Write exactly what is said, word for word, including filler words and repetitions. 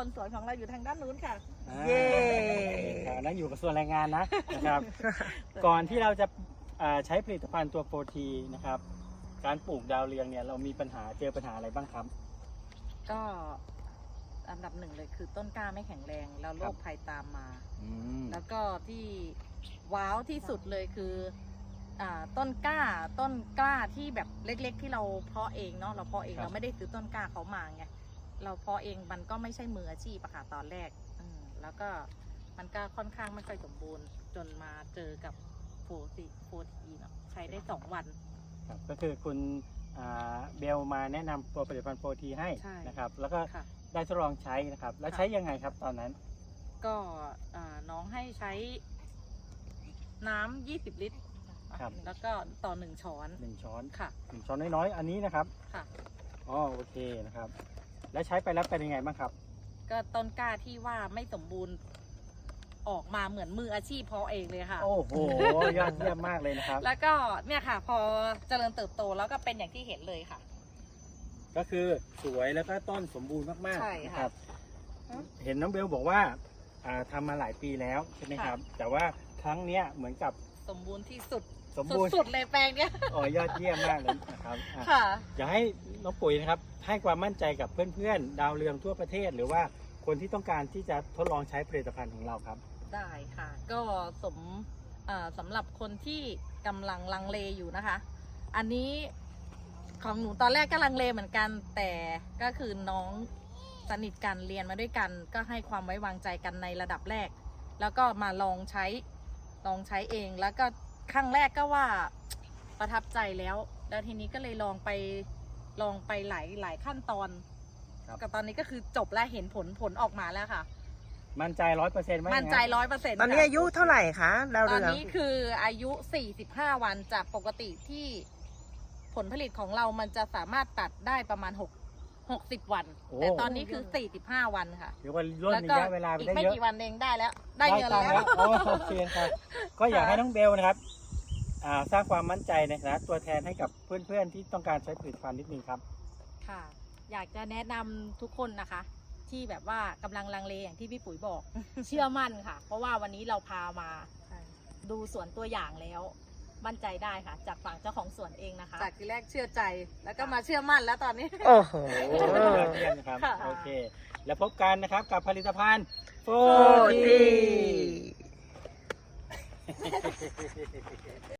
คนสวยของเราอยู่ทางด้านนู้นค่ะเย้นั่นอยู่กับส่วนแรงงานนะนะครับ ก่อนที่เราจะใช้ผลิตภัณฑ์ตัวโฟทีนะครับการปลูกดาวเรืองเนี่ยเรามีปัญหาเจอปัญหาอะไรบ้างครับก็อันดับหนึ่งเลยคือต้นกล้าไม่แข็งแรงแล้วโรคภัยตามมาแล้วก็ที่ว้าวที่สุดเลยคืออ่าต้นกล้าต้นกล้าที่แบบเล็กๆที่เราเพาะเองเนาะเราเพาะเองเราไม่ได้ซื้อต้นกล้าเขามาไงเราเพาะเองมันก็ไม่ใช่มืออาชีพอะค่ะตอนแรกอืมแล้วก็มันก็ค่อนข้างไม่ค่อยสมบูรณ์จนมาเจอกับโฟทีโฟทีเนาะใช้ได้สองวันครับก็คือคุณเบลมาแนะนำตัวผลิตภัณฑ์โฟทีให้นะครับแล้วก็ได้ทดลองใช้นะครับแล้วใช้ยังไงครับตอนนั้นก็น้องให้ใช้น้ำยี่สิบลิตรแล้วก็ต่อหนึ่งช้อนหนึ่งช้อนค่ะหนึ่งช้อนน้อยๆอันนี้นะครับค่ะอ๋อโอเคนะครับแล้วใช้ไปแล้วเป็นยังไงบ้างครับก็ต้นกล้าที่ว่าไม่สมบูรณ์ออกมาเหมือนมืออาชีพเพาะเองเลยค่ะโอ้โหยอดเยี่ยมมากเลยนะครับแล้วก็เนี่ยค่ะพอเจริญเติบโตแล้วก็เป็นอย่างที่เห็นเลยค่ะก็คือสวยแล้วก็ต้นสมบูรณ์มากๆนะครับเห็นน้องเบลบอกว่าทำมาหลายปีแล้วใช่ไหมครับแต่ว่าครั้งนี้เหมือนกับสมบูรณ์ที่สุดสมบูรณ์สุดเลยแปลงเนี้ยอ๋อยอดเยี่ยมมากเลยนะครับค่ะอยากให้น้องปุ๋ยนะครับให้ความมั่นใจกับเพื่อนๆดาวเรืองทั่วประเทศหรือว่าคนที่ต้องการที่จะทดลองใช้ผลิตภัณฑ์ของเราครับได้ค่ะก็สมสำหรับคนที่กำลังลังเลอยู่นะคะอันนี้ของหนูตอนแรกก็ลังเลเหมือนกันแต่ก็คือน้องสนิทกันเรียนมาด้วยกันก็ให้ความไว้วางใจกันในระดับแรกแล้วก็มาลองใช้ลองใช้เองแล้วก็ครั้งแรกก็ว่าประทับใจแล้วแล้วทีนี้ก็เลยลองไปลองไปหลายหลายขั้นตอนกับตอนนี้ก็คือจบและเห็นผลผลออกมาแล้วค่ะมั่นใจร้อยเปอร์เซ็นต์ไหมมั่นใจร้อยเปอร์เซ็นต์ตอนนี้อายุเท่าไหร่คะดาวเรืองตอนอนี้คืออายุสี่สิบห้าวันจากปกติที่ผลผลิตของเรามันจะสามารถตัดได้ประมาณหก หกสิบวันแต่ตอนนี้คือสี่สิบห้าวันค่ะเดี๋ยวว่าล่นระยะเวลาไปได้เยอะอีกไม่กี่วันเองได้แล้วได้เงินแล้วโอเคครับก็อยากให้น้องเบลนะครับสร้างความมั่นใจในฐานะตัวแทนให้กับเพื่อนๆที่ต้องการใช้ผลิตภัณฑ์นิดนึงครับค่ะอยากจะแนะนำทุกคนนะคะที่แบบว่ากำลังลังเลอย่างที่พี่ปุ๋ยบอก เชื่อมั่นค่ะเพราะว่าวันนี้เราพามาดูสวนตัวอย่างแล้วมั่นใจได้ค่ะจากฝั่งเจ้าของสวนเองนะคะจากที่แรกเชื่อใจแล้วก็มาเชื่อมั่นแล้วตอนนี้โอ้โหเยี่ยมนะครับโอเคแล้วพบกันนะครับกับผลิตภัณฑ์โฟที